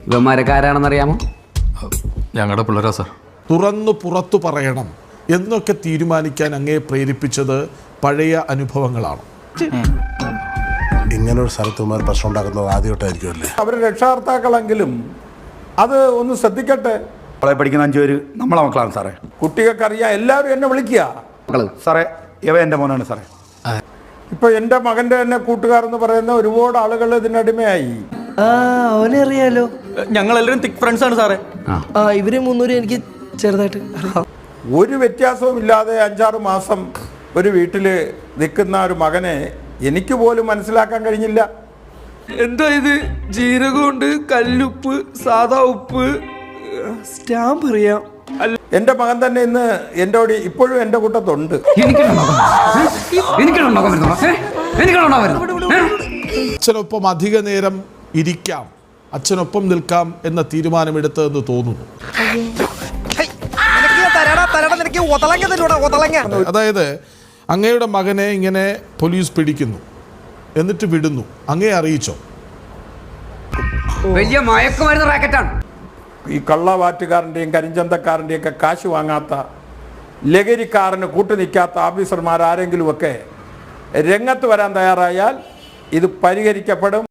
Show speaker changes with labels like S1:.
S1: ഇവന്മാരൊക്കെ ആരാണെന്നറിയാമോ?
S2: ഞങ്ങളുടെ പിള്ളേരാ സാർ.
S3: തുറന്നു പുറത്തു പറയണം എന്നൊക്കെ തീരുമാനിക്കാൻ അങ്ങേ പ്രേരിപ്പിച്ചത് പഴയ അനുഭവങ്ങളാണ്.
S4: ഇങ്ങനൊരു സ്ഥലത്തുമാർ പ്രശ്നം ഉണ്ടാക്കുന്നത് ആദ്യമായിട്ടായിരിക്കും അല്ലേ?
S5: അവർ രക്ഷാകർത്താക്കളെങ്കിലും അത് ഒന്ന് ശ്രദ്ധിക്കട്ടെ.
S6: നമ്മളെ പഠിക്കുന്ന 5 പേര് നമ്മളെ മക്കളാണ് സാറേ.
S5: കുട്ടികൾക്കറിയാം, എല്ലാവരും എന്നെ വിളിക്കുക
S6: സാറേ. ഇവ എൻ്റെ മോനാണ് സാറേ.
S5: ഇപ്പൊ എൻ്റെ മകൻ്റെ തന്നെ കൂട്ടുകാരെന്ന് പറയുന്ന ഒരുപാട് ആളുകൾ ഇതിനടിമയായി.
S7: അവനെ അറിയാലോ.
S2: ഞങ്ങളെല്ലാവരും തിക് ഫ്രണ്ട്സ് ആണ് സാറേ.
S7: ഇവര് 300 എനിക്ക് ചെറുതായിട്ട്
S5: ഒരു വ്യത്യാസവും ഇല്ലാതെ 5-6 മാസം ഒരു വീട്ടിൽ നിൽക്കുന്ന ഒരു മകനെ എനിക്ക് പോലും മനസ്സിലാക്കാൻ കഴിഞ്ഞില്ല.
S7: എന്താ ഇത്? ജീരകമുണ്ട്, കല്ലുപ്പ്, സാധാ ഉപ്പ്, സ്റ്റാമ്പ് അറിയാം.
S5: എൻ്റെ മകൻ തന്നെ ഇന്ന് എന്നോട് ഇപ്പോഴും എൻ്റെ കൂട്ടത്തുണ്ട്.
S3: അച്ഛനൊപ്പം അധിക നേരം ഇരിക്കാം, അച്ഛനൊപ്പം നിൽക്കാം എന്ന തീരുമാനമെടുത്തതെന്ന് തോന്നുന്നു. അതായത് അങ്ങയുടെ മകനെ ഇങ്ങനെ പോലീസ് പിടിക്കുന്നു, എന്നിട്ട് വിടുന്നു, അങ്ങേ അറിയിച്ചോ?
S1: വലിയ മയക്കുമരുന്ന് റാക്കറ്റാണ്.
S5: ഈ കള്ളവാറ്റുകാരൻ്റെയും കരിഞ്ചന്തക്കാരൻ്റെയും ഒക്കെ കാശ് വാങ്ങാത്ത, ലഹരിക്കാരന് കൂട്ടുനിൽക്കാത്ത ഓഫീസർമാർ ആരെങ്കിലുമൊക്കെ രംഗത്ത് വരാൻ തയ്യാറായാൽ ഇത് പരിഹരിക്കപ്പെടും.